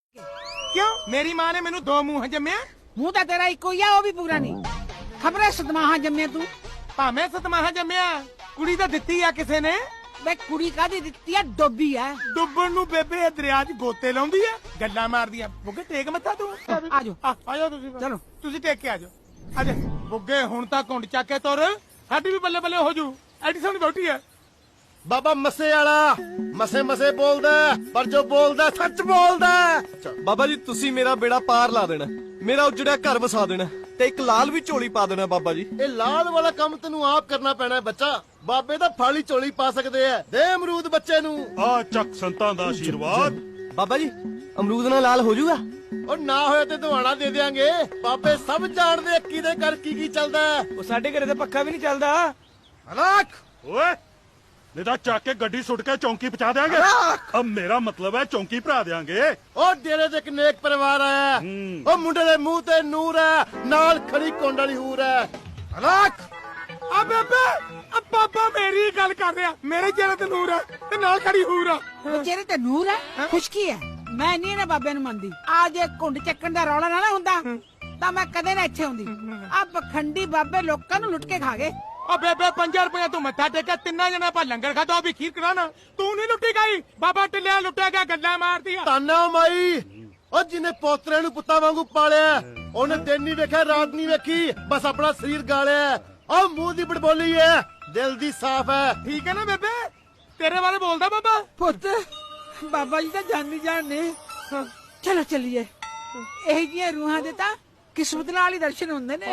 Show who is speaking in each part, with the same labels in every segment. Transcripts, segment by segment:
Speaker 1: क्यों मेरी माँ ने मैनू 2 मूंह जम्मिया
Speaker 2: ਮੂੰਹ ਤਾਂ ਤੇਰਾ ਇੱਕੋ ਹੀ ਆ, ਉਹ ਵੀ ਪੂਰਾ ਨਹੀਂ। ਖਬਰੇ ਸਦਮਾਹਾ ਜੰਮਿਆ ਤੂੰ।
Speaker 1: ਭਾਵੇਂ ਸਤਮਾਹਾ ਜੰਮਿਆ ਕੁੜੀ ਤਾਂ ਦਿੱਤੀ ਆ ਕਿਸੇ ਨੇ।
Speaker 2: ਵੇ ਕੁੜੀ ਕਾਦੀ ਦਿੱਤੀ ਆ? ਡੋਬੀ ਆ।
Speaker 1: ਡੁੱਬਣ ਨੂੰ ਬੇਬੇ ਇਹ ਦਰਿਆ 'ਚ ਗੋਤੇ ਲਾਉਂਦੀ ਆ, ਗੱਲਾਂ ਮਾਰਦੀ ਆ। ਬੁੱਗੇ ਟੇਕ ਮੱਥਾ ਤੂੰ।
Speaker 2: ਆਜੋ
Speaker 1: ਆਜੋ ਤੁਸੀਂ
Speaker 2: ਚਲੋ।
Speaker 1: ਤੁਸੀਂ ਟੇਕ ਕੇ ਆਜੋ। ਆਜਾ ਬੁੱਗੇ ਹੁਣ ਤਾਂ ਘੁੰਡ ਚੱਕ ਕੇ ਤੁਰ, ਸਾਡੀ ਵੀ ਬੱਲੇ ਬੱਲੇ ਹੋ ਜੂ। ਐਡੀ ਸੋਹਣੀ ਬੋਟੀ ਆ।
Speaker 3: ਬਾਬਾ ਮੱਸੇ ਵਾਲਾ ਮਸੇ ਮਸੇ ਬੋਲਦਾ, ਪਰ ਜੋ ਬੋਲਦਾ ਸੱਚ ਬੋਲਦਾ।
Speaker 4: ਬਾਬਾ ਜੀ ਤੁਸੀਂ ਮੇਰਾ ਬੇੜਾ ਪਾਰ ਲਾ ਦੇਣਾ, ਮੇਰਾ ਉਜੜਿਆ ਘਰ ਵਸਾ ਦੇਣਾ ਤੇ ਇੱਕ ਲਾਲ ਵੀ ਝੋਲੀ ਪਾ ਦੇਣਾ ਬਾਬਾ ਜੀ।
Speaker 3: ਇਹ ਲਾਲ ਵਾਲਾ ਕੰਮ ਤੈਨੂੰ ਆਪ ਕਰਨਾ ਪੈਣਾ ਹੈ ਬੱਚਾ। ਬਾਬੇ ਤਾਂ ਫਾਲੀ ਝੋਲੀ ਪਾ ਸਕਦੇ ਆ। ਦੇ ਅਮਰੂਦ ਬੱਚੇ ਨੂੰ।
Speaker 5: ਆ ਚੱਕ ਸੰਤਾਂ ਦਾ ਆਸ਼ੀਰਵਾਦ।
Speaker 4: ਬਾਬਾ ਜੀ ਅਮਰੂਦ ਨਾਲ ਲਾਲ ਹੋ ਜਾਊਗਾ?
Speaker 3: ਉਹ ਨਾ ਹੋਇਆ ਤੇ ਦਵਾਣਾ ਦੇ ਦੇਾਂਗੇ। ਬਾਬੇ ਸਭ ਜਾਣਦੇ ਆ ਕਿਹਦੇ ਘਰ ਕੀ ਚੱਲਦਾ ਹੈ।
Speaker 4: ਉਹ ਸਾਡੇ ਘਰੇ ਤਾਂ ਪੱਖਾ ਵੀ ਨਹੀਂ ਚੱਲਦਾ।
Speaker 3: ਹਲਾਕ
Speaker 5: ਓਏ ਨਹੀਂ ਤਾਂ ਚੱਕ ਕੇ ਗੱਡੀ ਸੁੱਟ ਕੇ ਚੌਂਕੀ ਪਹੁੰਚਾ ਦੇਾਂਗੇ। ਅਬ ਮੇਰਾ ਮਤਲਬ ਹੈ ਚੌਂਕੀ ਭਰਾ ਦੇਾਂਗੇ।
Speaker 3: ਉਹ ਡੇਰੇ ਤੇ ਇੱਕ ਨੇਕ ਪਰਿਵਾਰ ਆਇਆ। ਉਹ ਮੁੰਡੇ ਦੇ ਮੂੰਹ ਤੇ ਨੂਰ ਹੈ, ਨਾਲ ਖੜੀ ਕੋਂਡ ਵਾਲੀ ਹੂਰ ਹੈ। ਹਲਾਕ
Speaker 1: ਆ ਬੇਬੇ ਆ ਬਾਬਾ ਮੇਰੀ ਗੱਲ ਕਰ ਰਿਹਾ। ਮੇਰੇ ਚਿਹਰੇ ਤੇ ਨੂਰ ਆ ਤੇ ਨਾਲ ਖੜੀ ਹੂਰ ਆ।
Speaker 2: ਉਹ ਚਿਹਰੇ ਤੇ ਨੂਰ ਹੈ, ਖੁਸ਼ਕੀ ਹੈ। ਮੈਂ ਨਹੀਂ ਨਾ ਬਾਬੇ ਨੂੰ ਮੰਨਦੀ। ਆ ਜੇ ਘੁੰਡ ਚੱਕਣ ਦਾ ਰੌਲਾ ਨਾ ਹੁੰਦਾ ਤਾਂ ਮੈਂ ਕਦੇ ਨਾ ਇੱਥੇ ਆਉਂਦੀ। ਆ ਪਖੰਡੀ ਬਾਬੇ ਲੋਕਾਂ ਨੂੰ ਲੁੱਟ ਕੇ ਖਾ ਗਏ।
Speaker 1: ਓ ਬੇਬੇ 5 ਰੁਪਏ ਤੂੰ ਮੱਥਾ ਟੇਕਿਆ, 3 ਜਣੇ ਆਪਾਂ ਲੰਗਰ ਖਾਦਾ, ਉਹ ਵੀ ਖੀਰ ਕਰਾਣਾ। ਤੂੰ ਨਹੀਂ ਲੁੱਟੀ ਗਈ, ਬਾਬਾ ਟਿੱਲਿਆ ਲੁੱਟਿਆ ਗਿਆ, ਗੱਲਾਂ ਮਾਰਦੀ ਆ।
Speaker 3: ਤਾਨਾ ਮਾਈ ਉਹ ਜਿਹਨੇ ਪੋਤਰੇ ਨੂੰ ਪੁੱਤਾਂ ਵਾਂਗੂ ਪਾਲਿਆ, ਉਹਨੇ ਦਿਨ ਨਹੀਂ ਵੇਖਿਆ ਰਾਤ ਨਹੀਂ ਵੇਖੀ, ਬਸ ਆਪਣਾ ਸਰੀਰ ਗਾਲਿਆ। ਉਹ ਮੂੰਹ ਦੀ ਬੜਬੋਲੀ ਹੈ, ਦਿਲ ਦੀ ਸਾਫ਼ ਹੈ।
Speaker 1: ਠੀਕ ਹੈ ਨਾ ਬੇਬੇ, ਤੇਰੇ ਬਾਰੇ ਬੋਲਦਾ ਬਾਬਾ।
Speaker 2: ਪੁੱਤ ਬਾਬਾ ਜੀ ਤਾਂ ਜਾਨੀ ਜਾਣ ਨੇ। ਚਲੋ ਚੱਲੀਏ। ਇਹ ਜੀਆਂ ਰੂਹਾਂ ਦੇ ਤਾਂ ਕਿਸਮਤ ਨਾਲ ਹੀ ਦਰਸ਼ਨ ਹੁੰਦੇ ਨੇ।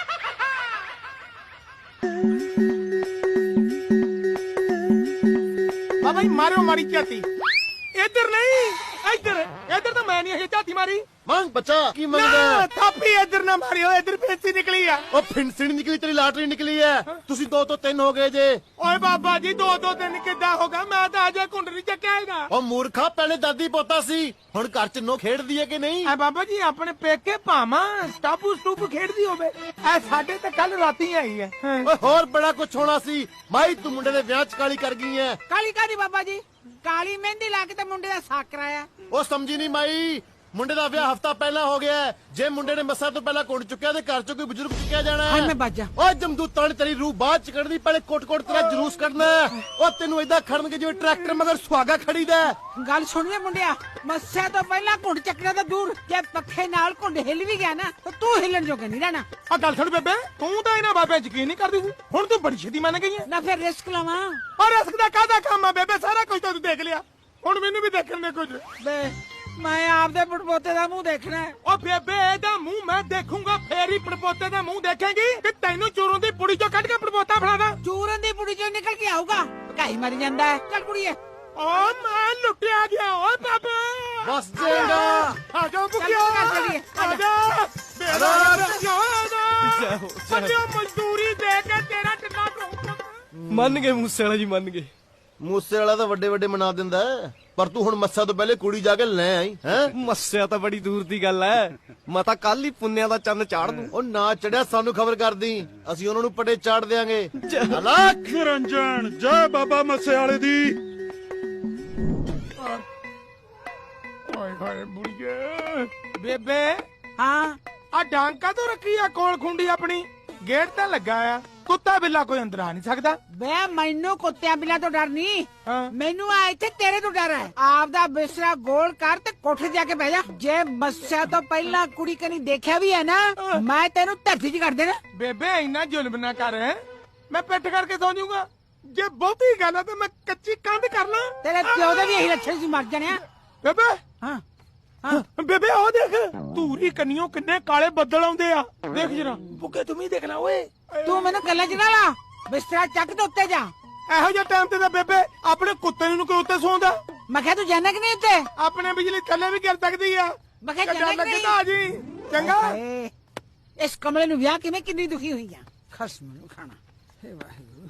Speaker 1: ਬਾਬਾ ਜੀ ਮਾਰਿਓ ਮਾਰੀ ਝਾਤੀ। ਇੱਧਰ ਨਹੀਂ, ਇੱਧਰ ਤਾਂ ਮੈਂ ਨਹੀਂ ਇਹ ਝਾਤੀ ਮਾਰੀ।
Speaker 3: ਮੰਗ ਬੱਚਾ ਕੀ
Speaker 1: ਨਾ
Speaker 3: ਮੰਗਦਾ?
Speaker 1: ਥਾਪੀ ਇੱਧਰ ਨਾ ਮਾਰਿਓ, ਇੱਧਰ ਪੈਸੀ ਨਿਕਲੀ ਆ।
Speaker 3: ਉਹ ਫਿੰਸਣੀ ਨਿਕਲੀ, ਤੇਰੀ ਲਾਟਰੀ ਨਿਕਲੀ ਹੈ। ਤੁਸੀਂ 2 ਤੋਂ 3 ਹੋ ਗਏ ਜੇ।
Speaker 1: ਓਏ ਬਾਬਾ ਜੀ 2 ਦਿਨ ਕਿੱਦਾਂ ਹੋਗਾ? ਮੈਂ ਤਾਂ ਅਜੇ ਕੁੰਡਲੀ ਚੱਕਿਆ ਹੈਗਾ।
Speaker 3: ਉਹ ਮੂਰਖਾ ਪਹਿਲੇ ਦਾਦੀ ਪੋਤਾ ਸੀ, ਹੁਣ ਘਰ ਚ ਨੋ ਖੇਡਦੀ ਹੈ ਕਿ ਨਹੀਂ?
Speaker 1: ਐ ਬਾਬਾ ਜੀ ਆਪਣੇ ਪੇਕੇ ਭਾਵਾਂ ਸਟਾਪੂ ਸਟੂਪ ਖੇਡਦੀ ਹੋਵੇ, ਐ ਸਾਡੇ ਤੇ ਕੱਲ ਰਾਤੀ ਆਈ ਹੈ।
Speaker 3: ਓਏ ਹੋਰ ਬੜਾ ਕੁਝ ਹੋਣਾ ਸੀ। ਮਾਈ ਤੂੰ ਮੁੰਡੇ ਦੇ ਵਿਆਹ ਚ ਕਾਲੀ ਕਰ ਗਈ ਹੈ।
Speaker 2: ਕਾਲੀ ਕਾਦੀ ਬਾਬਾ ਜੀ? ਕਾਲੀ ਮਹਿੰਦੀ ਲਾ ਕੇ ਤੇ ਮੁੰਡੇ ਦਾ ਸਾਕ ਕਰਾਇਆ।
Speaker 3: ਉਹ ਸਮਝੀ ਨਹੀਂ ਮਾਈ, ਮੁੰਡੇ ਦਾ ਵਿਆਹ ਹਫਤਾ ਪਹਿਲਾਂ ਹੋ ਗਿਆ ਹੈ। ਜੇ ਮੁੰਡੇ ਨੇ ਮੱਸਾ ਤੋਂ ਪਹਿਲਾਂ ਕੁੰਡ ਚੁੱਕਿਆ ਤੇ ਘਰ ਚੋਂ ਕੋਈ ਬਜ਼ੁਰਗ ਚੁੱਕਿਆ ਜਾਣਾ
Speaker 2: ਹਾਂ
Speaker 3: ਹੈ।
Speaker 2: ਮੈਂ ਬਾਜਾ।
Speaker 3: ਓਏ ਜਮਦੂਤਾਂ ਨੇ ਤੇਰੀ ਰੂਹ ਬਾਅਦ ਚ ਕੱਢਦੀ, ਪਹਿਲੇ ਕੋਟ ਤੇਰਾ ਜਲੂਸ ਕੱਢਣਾ ਹੈ। ਉਹ ਤੈਨੂੰ ਏਦਾਂ ਖੜਨਗੇ ਜਿਵੇਂ ਟਰੈਕਟਰ ਮਗਰ ਸੁਹਾਗਾ ਖੜੀਦਾ ਹੈ।
Speaker 2: ਗੱਲ ਸੁਣੀਏ ਮੁੰਡਿਆ, ਮੱਸੇ ਤੋਂ ਪਹਿਲਾਂ ਘੁੰਡ ਚੱਕਣਾ ਤਾਂ ਦੂਰ, ਜੇ ਪੱਖੇ ਨਾਲ ਘੁੰਡ ਹਿੱਲ ਵੀ ਗਿਆ ਨਾ ਤਾਂ ਤੂੰ ਹਿੱਲਣ ਜੋਗਾ ਨਹੀਂ ਰਹਿਣਾ।
Speaker 1: ਆ ਗੱਲ ਸੁਣ ਬੇਬੇ, ਤੂੰ ਤਾਂ ਇਹਨਾਂ ਬਾਬਿਆਂ 'ਚ ਯਕੀਨ ਨਹੀਂ ਕਰਦੀ ਸੀ, ਹੁਣ ਤੂੰ ਬੜੀ ਛੇਤੀ ਮੰਨ ਗਈ ਹੈ।
Speaker 2: ਨਾ ਫਿਰ ਰਿਸਕ ਲਵਾਂ।
Speaker 1: ਔਰ ਰਿਸਕ ਦਾ ਕਾਹਦਾ ਕੰਮ ਆ ਬੇਬੇ? ਸਾਰਾ ਕੁਝ ਤਾਂ ਤੂੰ ਦੇਖ ਲਿਆ, ਹੁਣ ਮੈਨੂੰ ਵੀ ਦੇਖਣ ਦੇ ਕੁਝ।
Speaker 2: ਬੇ ਮੈਂ ਆਪਦੇ ਪੜਪੋਤੇ ਦਾ ਮੂੰਹ ਦੇਖਣਾ ਹੈ।
Speaker 1: ਓ ਬੇਬੇ ਇਹਦਾ ਮੂੰਹ ਮੈਂ ਦੇਖੂੰਗਾ, ਫੇਰ ਹੀ ਪੜਪੋਤੇ ਦਾ ਮੂੰਹ ਦੇਖੇਂਗੀ ਕਿ ਤੈਨੂੰ ਚੋਰੋਂ ਦੀ ਪੁੜੀ ਚੋਂ ਕੱਢ ਕੇ ਪੜਪੋਤਾ ਫੜਾਦਾ।
Speaker 2: ਚੂਰਨ ਦੀ ਪੁੜੀ ਚੋਂ ਨਿਕਲ ਕੇ ਆਊਗਾ, ਭਕਾਈ ਮਰ ਜਾਂਦਾ ਹੈ। ਚੱਲ ਕੁੜੀਏ
Speaker 1: ਓ ਮੈਂ ਲੁੱਟਿਆ ਗਿਆ। ਓ ਬਾਬਾ
Speaker 3: ਬਸ ਜੇਗਾ
Speaker 1: ਆ ਜਾਓ ਬੁਕਿਆ,
Speaker 2: ਚੱਲ ਚੱਲੀਏ,
Speaker 1: ਆ ਜਾ ਮੇਰਾ ਮਜ਼ਦੂਰੀ ਦੇ ਕੇ ਤੇਰਾ ਟਿੱਲਾ ਠੋਕੂਗਾ।
Speaker 4: ਮੰਨ ਗਏ ਮੂਸੇ ਵਾਲਾ ਜੀ, ਮੰਨ ਗਏ।
Speaker 3: ਮੂਸੇ ਵਾਲਾ ਤਾਂ ਵੱਡੇ ਮਨਾ ਦਿੰਦਾ ਹੈ, ਪਰ ਤੂੰ ਹੁਣ ਮੱਸਾ ਤੋਂ ਪਹਿਲੇ ਕੁੜੀ ਜਾ ਕੇ ਲੈ ਆਈ ਹੈ।
Speaker 4: ਮੱਸਿਆ ਤਾਂ ਬੜੀ ਦੂਰ ਦੀ ਗੱਲ ਐ, ਮੈਂ ਤਾਂ ਕੱਲ ਹੀ ਪੁੰਨਿਆ ਦਾ ਚੰਨ ਚਾੜ ਦੂੰ।
Speaker 3: ਉਹ ਨਾ ਚੜਿਆ ਸਾਨੂੰ ਖਬਰ ਕਰਦੀ, ਅਸੀਂ ਉਹਨਾਂ ਨੂੰ ਪਟੇ ਚਾੜ ਦੇਾਂਗੇ। ਹਲਾਕ
Speaker 5: ਨਿਰੰਜਨ ਜੈ ਬਾਬਾ ਮੱਸੇ ਵਾਲੇ ਦੀ।
Speaker 1: ਓਏ ਹੋਏ ਬੁੜੀਏ। ਬੇਬੇ
Speaker 2: ਹਾਂ
Speaker 1: ਆ ਡਾਂਕਾ ਤੋਂ ਰੱਖੀ ਆ ਕੋਲ ਖੁੰਡੀ ਆਪਣੀ, ਗੇਟ ਤਾਂ ਲੱਗਾ ਆ, ਕੁੱਤਾ ਬਿੱਲਾ ਕੋਈ ਅੰਦਰ ਆ ਨਹੀਂ ਸਕਦਾ।
Speaker 2: ਬੇ ਮੈਨੂੰ ਕੁੱਤਿਆਂ ਬਿੱਲਾਂ ਤੋਂ ਡਰ ਨਹੀਂ,
Speaker 1: ਹਾਂ।
Speaker 2: ਮੈਨੂੰ ਆ ਇੱਥੇ ਤੇਰੇ ਤੋਂ ਡਰ ਹੈ। ਆਪਦਾ ਬਿਸਤਰਾ ਗੋਲ ਕਰ ਤੇ ਕੋਠੇ ਜਾ ਕੇ ਬਹਿ ਜਾ। ਜੇ ਮੱਸਿਆ ਤੋਂ ਪਹਿਲਾਂ ਕੁੜੀ ਕਨੀ ਦੇਖਿਆ ਵੀ ਹੈ ਨਾ, ਮੈਂ ਤੈਨੂੰ ਧਰਤੀ 'ਚ ਕਰ ਦੇਣਾ।
Speaker 1: ਬੇਬੇ ਇੰਨਾ ਜ਼ੁਲਮ ਨਾ ਕਰ, ਮੈਂ ਪਿੱਠ ਕਰਕੇ ਸੌਂ ਜਾਊਂਗਾ। ਜੇ ਬਹੁਤੀ ਗੱਲ ਆ ਤਾਂ ਮੈਂ ਕੱਚੀ ਕੰਧ ਕਰ ਲਾਂ।
Speaker 2: ਤੇਰੇ ਪਿਓ ਦੇ ਵੀ ਇਹੀ ਲੱਛਣ ਸੀ, ਮਰ ਜਾਣਿਆ।
Speaker 1: ਬੇਬੇ
Speaker 2: ਹਾਂ ਹਾਂ
Speaker 1: ਬੇਬੇ ਉਹ ਦੇਖ, ਧੂਰੀ ਕੰਨੀਓ ਕਿੰਨੇ ਕਾਲੇ ਬੱਦਲ ਆਉਂਦੇ ਆ, ਦੇਖ ਜਰਾ। ਬੁੱਕੇ ਤੂੰ ਵੀ ਦੇਖਣਾ ਓਏ।
Speaker 2: ਤੂੰ ਮੈਨੂੰ ਕੱਲਾ ਚ ਨਾ ਲਾ, ਬਿਸਤਰਾ ਚੱਕ ਤੇ ਉੱਤੇ ਜਾ।
Speaker 1: ਇਹੋ ਜਿਹੇ ਟਾਈਮ ਤੇ ਤਾਂ ਬੇਬੇ ਆਪਣੇ ਕੁੱਤੇ ਨੂੰ ਕੋਈ ਉੱਤੇ ਸੌਂਦਾ।
Speaker 2: ਮੈਂ ਕਿਹਾ ਤੂੰ ਜਾਣਾ ਕਿ ਨਹੀਂ ਉੱਤੇ?
Speaker 1: ਆਪਣੇ ਬਿਜਲੀ ਥੱਲੇ ਵੀ ਗਿਰ ਸਕਦੀ ਆ।
Speaker 2: ਮੈਂ ਕਿਹਾ
Speaker 1: ਡਰ
Speaker 2: ਜਾਣਾ ਕਿ
Speaker 1: ਲੱਗੇ
Speaker 2: ਨਹੀਂ?
Speaker 1: ਤਾਂ ਆ ਜੀ ਚੰਗਾ।
Speaker 2: ਹਾਏ, ਇਸ ਕਮਲੇ ਨੂੰ ਵਿਆਹ ਕਿਵੇਂ ਕਿੰਨੀ ਦੁਖੀ ਹੋਈ ਆ। ਖਸਮ ਨੂੰ ਖਾਣਾ। ਹੇ ਵਾਹਿਗੁਰੂ।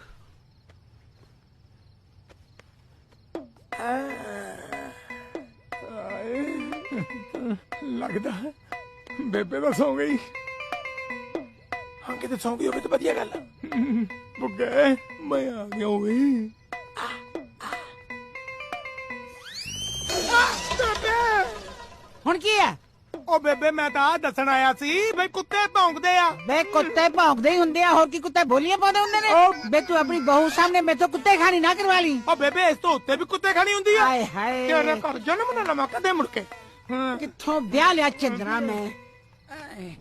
Speaker 1: ਲੱਗਦਾ ਬੇਬੇ ਤਾਂ ਸੌਂ ਗਈ। ਹਾਂ ਕਿਤੇ ਸੌਂ ਗਈ ਹੋਵੇ ਤਾਂ ਵਧੀਆ ਗੱਲ ਆ। ਬੁੱਗੇ ਮੈਂ ਆ ਗਿਆ ਓਏ। ਬੇਬੇ
Speaker 2: ਹੁਣ ਕੀ ਹੈ?
Speaker 1: ਉਹ ਬੇਬੇ ਮੈਂ ਤਾਂ ਆਹ ਦੱਸਣ ਆਇਆ ਸੀ ਬਈ ਕੁੱਤੇ ਭੌਂਕਦੇ ਆ।
Speaker 2: ਵੇ ਕੁੱਤੇ ਭੌਂਕਦੇ ਹੀ ਹੁੰਦੇ ਆ, ਹੋਰ ਕੀ ਕੁੱਤੇ ਬੋਲੀਆਂ ਪਾਉਂਦੇ ਹੁੰਦੇ ਨੇ? ਵੇ ਤੂੰ ਆਪਣੀ ਬਹੂ ਸਾਹਮਣੇ ਮੈਥੋਂ ਕੁੱਤੇ ਖਾਣੀ ਨਾ ਕਰਵਾ ਲਈ।
Speaker 1: ਉਹ ਬੇਬੇ ਇਸ ਤੋਂ ਉੱਤੇ ਵੀ ਕੁੱਤੇ ਖਾਣੀ ਹੁੰਦੀ ਆ।
Speaker 2: ਹਾਏ ਹਾਏ
Speaker 1: ਤੇਰੇ ਘਰ ਜਨਮ ਨਾ ਲਵਾਂ ਕਦੇ ਮੁੜ ਕੇ।
Speaker 2: ਕਿੱਥੋਂ ਵਿਆਹ ਲਿਆ ਚੰਦਰਾ ਮੈਂ। ਆਏ।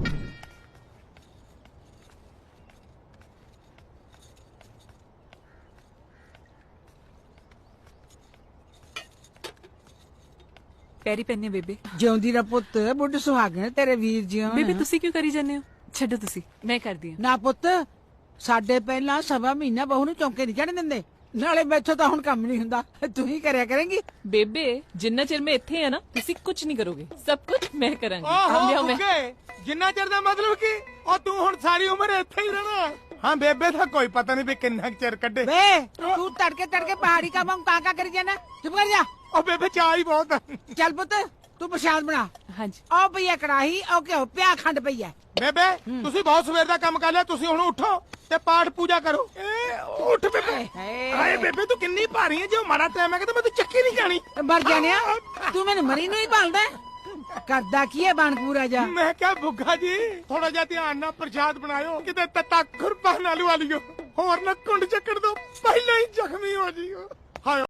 Speaker 6: ਪੈਰੀ ਪੈਨੇ ਬੇਬੇ।
Speaker 2: ਜਿਉਂਦੀ ਦਾ ਪੁੱਤ ਬੁੱਢ ਸੁਹਾਗਣ ਤੇਰੇ ਵੀਰ ਜਿਉਂ।
Speaker 6: ਬੇਬੇ ਤੁਸੀਂ ਕਿਉਂ ਕਰੀ ਜਾਂਦੇ ਹੋ? ਛੱਡੋ ਤੁਸੀਂ, ਮੈਂ ਕਰਦੀ ਹਾਂ।
Speaker 2: ਨਾ ਪੁੱਤ, ਸਾਡੇ ਪਹਿਲਾਂ ਸਵਾ ਮਹੀਨਾ ਬਹੂ ਨੂੰ ਚੌਂਕੇ ਨਹੀਂ ਚੜਨ ਦਿੰਦੇ। ਨਾਲੇ ਮੈਥੋਂ ਤਾਂ ਹੁਣ ਕੰਮ ਨਹੀਂ ਹੁੰਦਾ, ਤੂੰ ਹੀ ਕਰਿਆ ਕਰੇਂਗੀ।
Speaker 6: ਬੇਬੇ ਜਿੰਨਾ ਚਿਰ ਮੈਂ ਇੱਥੇ ਆ ਨਾ, ਤੁਸੀਂ ਕੁਝ ਨਹੀਂ ਕਰੋਗੇ, ਸਭ ਕੁਝ ਮੈਂ ਕਰਾਂਗੀ।
Speaker 1: ਓਹੋ
Speaker 6: ਲਿਆਓ ਮੈਂ।
Speaker 1: ਬੁੱਗੇ, ਜਿੰਨਾ ਚਿਰ ਦਾ ਮਤਲਬ ਕੀ? ਉਹ ਤੂੰ ਹੁਣ ਸਾਰੀ ਉਮਰ ਇੱਥੇ ਹੀ ਰਹਿਣਾ। ਹਾਂ ਬੇਬੇ ਦਾ ਕੋਈ ਪਤਾ ਨਹੀਂ ਵੀ ਕਿੰਨਾ ਕੁ ਚਿਰ ਕੱਢੇ।
Speaker 2: ਵੇ ਤੂੰ ਤੜਕੇ ਤੜਕੇ ਪਹਾੜੀ ਕਾ ਵਾਂਗ ਕਾਕਾ ਕਰੀ ਜਾਣਾ, ਚੁੱਪ ਕਰ ਜਾ।
Speaker 1: ਉਹ ਬੇਬੇ ਚਾਹ ਹੀ ਬਹੁਤ ਆ।
Speaker 2: ਚੱਲ ਪੁੱਤ ਤੂੰ ਪ੍ਰਸ਼ਾਦ ਬਣਾ।
Speaker 6: ਹਾਂਜੀ
Speaker 2: ਆਓ ਪਈਆ ਕੜਾਹੀ, ਆਓ ਘਿਓ ਪਿਆ, ਖੰਡ ਪਈ ਐ।
Speaker 1: ਬੇਬੇ ਤੁਸੀਂ ਬਹੁਤ ਸਵੇਰ ਦਾ ਕੰਮ ਕਰ ਲਿਆ, ਤੁਸੀਂ ਹੁਣ ਉੱਠੋ ਤੇ ਪਾਠ ਪੂਜਾ ਕਰੋ। ਉੱਠ ਬੇਬੇ।
Speaker 2: ਹਾਏ।
Speaker 1: ਹਾਏ ਬੇਬੇ ਤੂੰ ਕਿੰਨੀ ਭਾਰੀ ਹੈ, ਜੇ ਉਹ ਮਾੜਾ ਟਾਈਮ ਹੈ ਤਾਂ ਮੈਂ ਤੂੰ ਚੱਕੀ ਨਹੀਂ ਜਾਣੀ।
Speaker 2: ਮਰ ਜਾਣਿਆ, ਤੂੰ ਮੈਨੂੰ ਮਰੀ ਨੂੰ ਹੀ ਭਾਲਦਾ। ਕਰਦਾ ਕੀ ਹੈ ਬਾਣਪੂਰਾ ਜਾ।
Speaker 1: ਮੈਂ ਕਿਹਾ ਬੁੱਗਾ ਜੀ ਥੋੜਾ ਜਿਹਾ ਧਿਆਨ ਨਾਲ ਪ੍ਰਸ਼ਾਦ ਬਣਾਇਓ, ਕਿਤੇ ਤੱਤਾ ਖੁਰਪਾ ਨਾ ਲਵਾ ਲਿਓ, ਹੋਰ ਨਾ ਕੁੰਡ ਚੱਕਣ ਤੋਂ ਪਹਿਲਾਂ ਹੀ ਜ਼ਖਮੀ ਹੋ ਜਿਓ। ਹਾਏ